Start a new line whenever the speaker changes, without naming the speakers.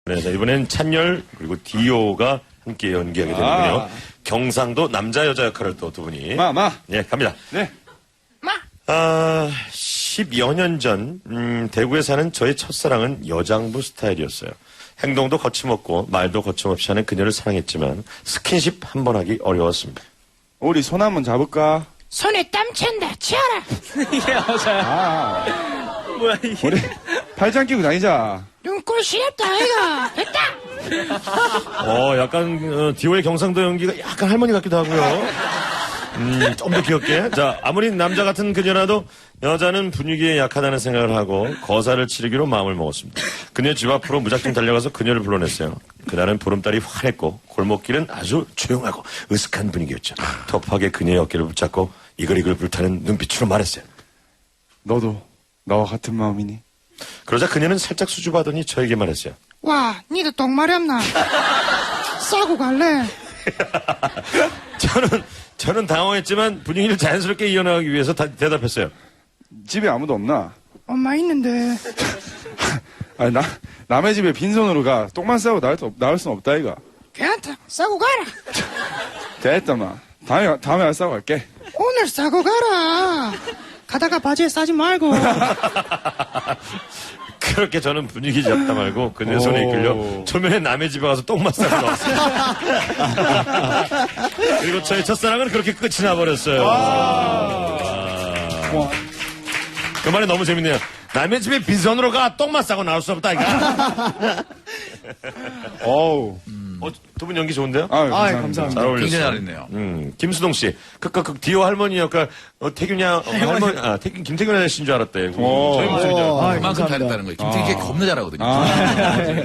네, 자, 이번엔 찬열 그리고 디오가 함께 연기하게 되는군요. 경상도 남자 여자 역할을 또 두 분이. 네, 갑니다.
네.
10여 년 전 대구에 사는 저의 첫사랑은 여장부 스타일이었어요. 행동도 거침없고 말도 거침없이 하는 그녀를 사랑했지만 스킨십 한 번 하기 어려웠습니다.
우리 손 한번 잡을까?
손에 땀 찬다. 치아라.
이게 여자야. 뭐야, 이게.
우리 팔짱 끼고 다니자.
눈꼴 시렵다, 아이가. 됐다.
약간 디오의 경상도 연기가 약간 할머니 같기도 하고요. 좀 더 귀엽게. 자, 아무리 남자 같은 그녀라도 여자는 분위기에 약하다는 생각을 하고 거사를 치르기로 마음을 먹었습니다. 그녀 집 앞으로 무작정 달려가서 그녀를 불러냈어요. 그날은 보름달이 환했고 골목길은 아주 조용하고 으슥한 분위기였죠. 터프하게 그녀의 어깨를 붙잡고 이글이글 불타는 눈빛으로 말했어요.
너도 나와 같은 마음이니?
그러자 그녀는 살짝 수줍어하더니 저에게 말했어요.
와, 니도 똥 마렵나? 싸고 갈래?
저는 당황했지만 분위기를 자연스럽게 이어나가기 위해서 대답했어요.
집에 아무도 없나?
엄마 있는데.
아니, 남의 집에 빈손으로 가. 똥만 싸고 나올 순 없다, 이가.
괜찮다. 싸고 가라.
됐다, 마. 다음에 안 싸고 갈게.
오늘 싸고 가라. 가다가 바지에 싸지 말고.
그렇게 저는 분위기 잡다 말고 그녀의 손에 이끌려 초면에 남의 집에 가서 똥만 싸고 나왔어요. 그리고 저의 첫사랑은 그렇게 끝이 나버렸어요. 그 말이 너무 재밌네요. 남의 집에 빈손으로 가 똥만 싸고 나올 수 없다 이거.
어우.
두 분 연기 좋은데요?
감사합니다.
잘 어울렸어요.
굉장히 잘했네요.
김수동 씨, 그 디오 할머니 역할 태균이 할머니, 김태균 아저씨인 줄 알았대. 저희 목소리죠.
그만큼 잘했다는 거예요. 김태균 씨가 겁나 잘하거든요.